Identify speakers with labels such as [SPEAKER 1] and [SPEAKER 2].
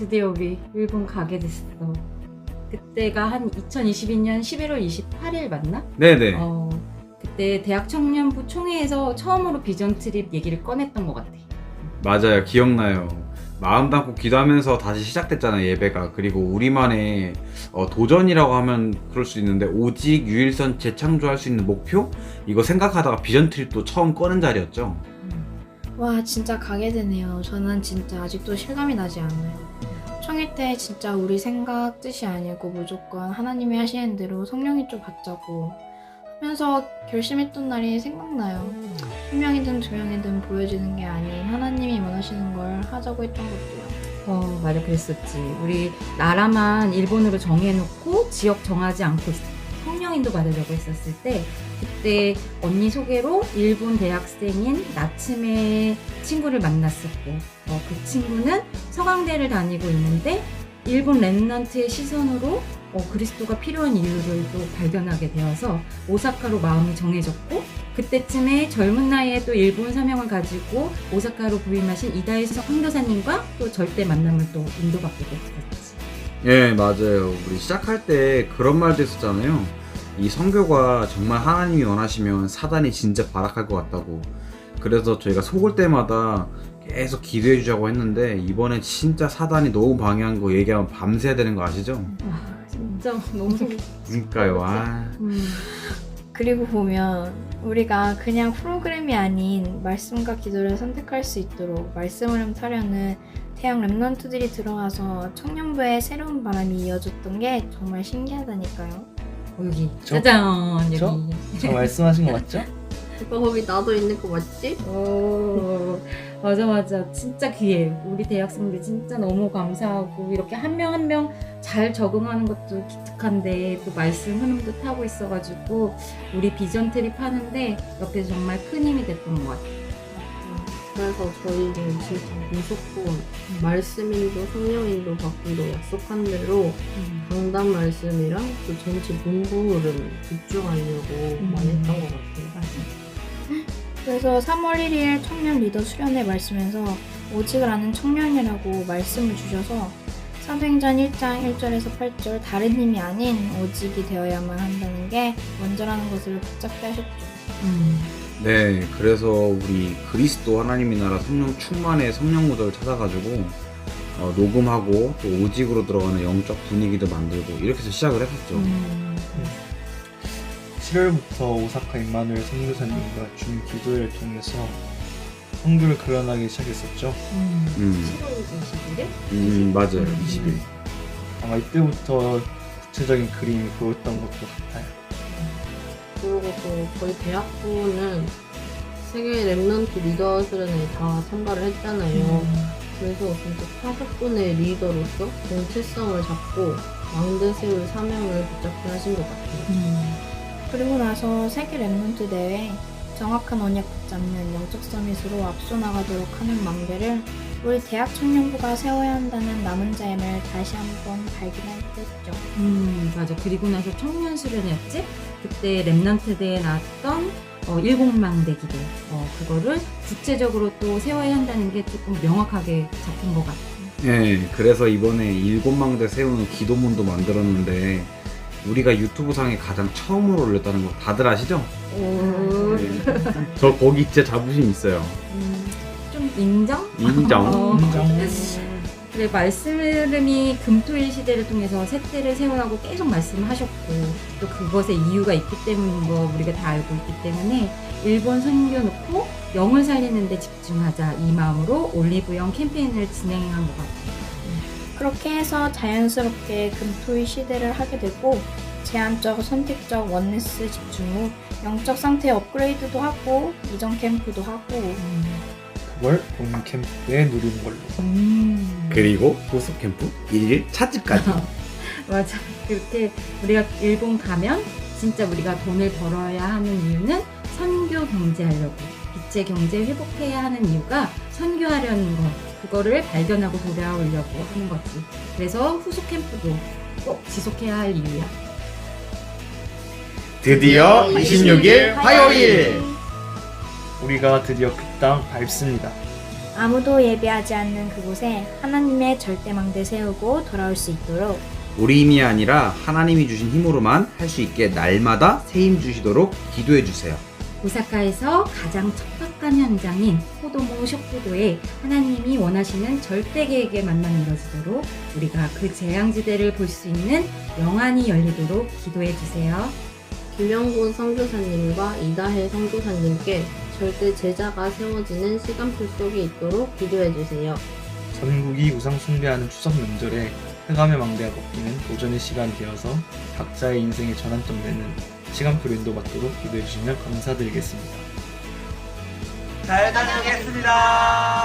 [SPEAKER 1] 드디어 우리 일본 가게 됐어. 그때가 한 2022년 11월 28일 맞나?
[SPEAKER 2] 네네.
[SPEAKER 1] 그때 대학 청년부 총회에서 처음으로 비전 트립 얘기를 꺼냈던 것 같아.
[SPEAKER 2] 맞아요. 기억나요. 마음 담고 기도하면서 다시 시작됐잖아요, 예배가. 그리고 우리만의 도전이라고 하면 그럴 수 있는데, 오직 유일선 재창조할 수 있는 목표? 이거 생각하다가 비전 트립도 처음 꺼낸 자리였죠.
[SPEAKER 3] 와, 진짜 가게 되네요. 저는 진짜 아직도 실감이 나지 않아요. 청일 때 진짜 우리 생각 뜻이 아니고 무조건 하나님이 하시는 대로 성령이 좀 받자고 하면서 결심했던 날이 생각나요. 한 명이든 두 명이든 보여지는 게 아닌 하나님이 원하시는 걸 하자고 했던 것도요.
[SPEAKER 1] 맞아, 그랬었지. 우리 나라만 일본으로 정해놓고 지역 정하지 않고 성령인도 받으려고 했었을 때, 그때 언니 소개로 일본 대학생인 나츠메 친구를 만났었고, 그 친구는 서강대를 다니고 있는데 일본 랩넌트의 시선으로 그리스도가 필요한 이유를 또 발견하게 되어서 오사카로 마음이 정해졌고, 그때쯤에 젊은 나이에 또 일본 사명을 가지고 오사카로 부임하신 이다혜석 선교사님과 또 절대 만남을 또 인도받게 됐었지.
[SPEAKER 2] 예, 맞아요. 우리 시작할 때 그런 말도 했었잖아요. 이 선교가 정말 하나님이 원하시면 사단이 진짜 발악할 것 같다고. 그래서 저희가 속을 때마다 계속 기도해 주자고 했는데, 이번에 진짜 사단이 너무 방해한 거 얘기하면 밤새야 되는 거 아시죠?
[SPEAKER 1] 진짜 너무
[SPEAKER 2] 그러니까요.
[SPEAKER 3] 그리고 보면 우리가 그냥 프로그램이 아닌 말씀과 기도를 선택할 수 있도록 말씀을 흠타려는 대학 랩넌트들이 들어와서 청년부에 새로운 바람이 이어졌던 게 정말 신기하다니까요.
[SPEAKER 1] 여기
[SPEAKER 4] 저?
[SPEAKER 1] 짜잔, 여기.
[SPEAKER 4] 저 말씀하신 거 맞죠?
[SPEAKER 5] 오빠 거기 나도 있는 거 맞지?
[SPEAKER 1] 맞아. 진짜 귀해. 우리 대학생들 진짜 너무 감사하고, 이렇게 한 명 한 명 잘 적응하는 것도 기특한데 또 말씀 흐름도 타고 있어가지고 우리 비전 트립 하는데 옆에서 정말 큰 힘이 됐던 것 같아.
[SPEAKER 5] 그래서 저희는 진짜 무조건 말씀인도 성령인도 받기로 약속한 대로 강단 말씀이랑 그 전체 문구 흐름 집중하려고 많이 했던 것 같아요.
[SPEAKER 3] 그래서 3월 1일 청년 리더 수련회 말씀에서 오직을 아는 청년이라고 말씀을 주셔서 사도행전 1장 1절에서 8절 다른 힘이 아닌 오직이 되어야만 한다는 게 먼저라는 것을 붙잡게 하셨죠.
[SPEAKER 2] 네, 그래서 우리 그리스도 하나님의 나라 성령 충만의 성령 무더를 찾아가지고 녹음하고 또 오직으로 들어가는 영적 분위기도 만들고 이렇게 해서 시작을 했었죠.
[SPEAKER 4] 7월부터 오사카 임마누엘 선교사님과 준 기도회를 통해서 선교를 그려나가기 시작했었죠.
[SPEAKER 1] 7월 20일에?
[SPEAKER 2] 맞아요. 20일.
[SPEAKER 4] 아마 이때부터 구체적인 그림이 보였던 것도 같아요.
[SPEAKER 5] 그리고 또 저희 대학부는 세계 랩넌트 리더 수련회에 다 참가를 했잖아요. 그래서 진짜 5분의 리더로서 정체성을 잡고 망대 세울 사명을 붙잡게 하신 것 같아요.
[SPEAKER 3] 그리고 나서 세계 랩넌트 대회 정확한 언약 붙잡는 영적 서밋으로 앞서 나가도록 하는 망대를 우리 대학 청년부가 세워야 한다는 남은 자임을 다시 한번 발견했죠.
[SPEAKER 1] 맞아. 그리고 나서 청년 수련회였지? 그때 랩넌트 대회에 나왔던 일곱망대 기도, 그거를 구체적으로 또 세워야 한다는 게 조금 명확하게 잡힌 것 같아.
[SPEAKER 2] 네, 그래서 이번에 7망대 세우는 기도문도 만들었는데, 우리가 유튜브 상에 가장 처음으로 올렸다는 거 다들 아시죠? 네. 저 거기 진짜 자부심 있어요.
[SPEAKER 1] 좀 인정?
[SPEAKER 2] 인정.
[SPEAKER 1] 그래, 말씀 흐름이 금토일 시대를 통해서 세대를 세우라고 계속 말씀하셨고, 또 그것에 이유가 있기 때문인 거 우리가 다 알고 있기 때문에 일본 섬겨놓고 영을 살리는 데 집중하자, 이 마음으로 올리브영 캠페인을 진행한 것 같아요.
[SPEAKER 3] 그렇게 해서 자연스럽게 금토일 시대를 하게 되고 제한적 선택적 원네스 집중 후 영적 상태 업그레이드도 하고 이전 캠프도 하고
[SPEAKER 4] 그걸 본 캠프 때 누리는 걸로.
[SPEAKER 2] 그리고 보석 캠프 1일 찻집까지.
[SPEAKER 1] 맞아. 그렇게 우리가 일본 가면 진짜 우리가 돈을 벌어야 하는 이유는 선교 경제하려고, 빛의 경제 회복해야 하는 이유가 선교하려는 것, 그거를 발견하고 돌아오려고 하는 거지. 그래서 후속 캠프도 꼭 지속해야 할 이유야.
[SPEAKER 2] 드디어 26일 화요일!
[SPEAKER 4] 우리가 드디어 그 땅 밟습니다.
[SPEAKER 3] 아무도 예배하지 않는 그곳에 하나님의 절대망대 세우고 돌아올 수 있도록
[SPEAKER 2] 우리 힘이 아니라 하나님이 주신 힘으로만 할 수 있게 날마다 새 힘 주시도록 기도해 주세요.
[SPEAKER 1] 오사카에서 가장 척박한 현장인 코도모 쇼쿠도에 하나님이 원하시는 절대 계획의 만남이 이뤄지도록 우리가 그 재앙지대를 볼 수 있는 영안이 열리도록 기도해 주세요.
[SPEAKER 5] 김영곤 선교사님과 이다혜 선교사님께 절대 제자가 세워지는 시간표 속에 있도록 기도해 주세요.
[SPEAKER 4] 전국이 우상 숭배하는 추석 명절에 흑암의 망대가 벗기는 도전의 시간이 되어서 각자의 인생의 전환점 되는 시간표를 인도받도록 기도해 주시면 감사드리겠습니다.
[SPEAKER 6] 잘 다녀오겠습니다.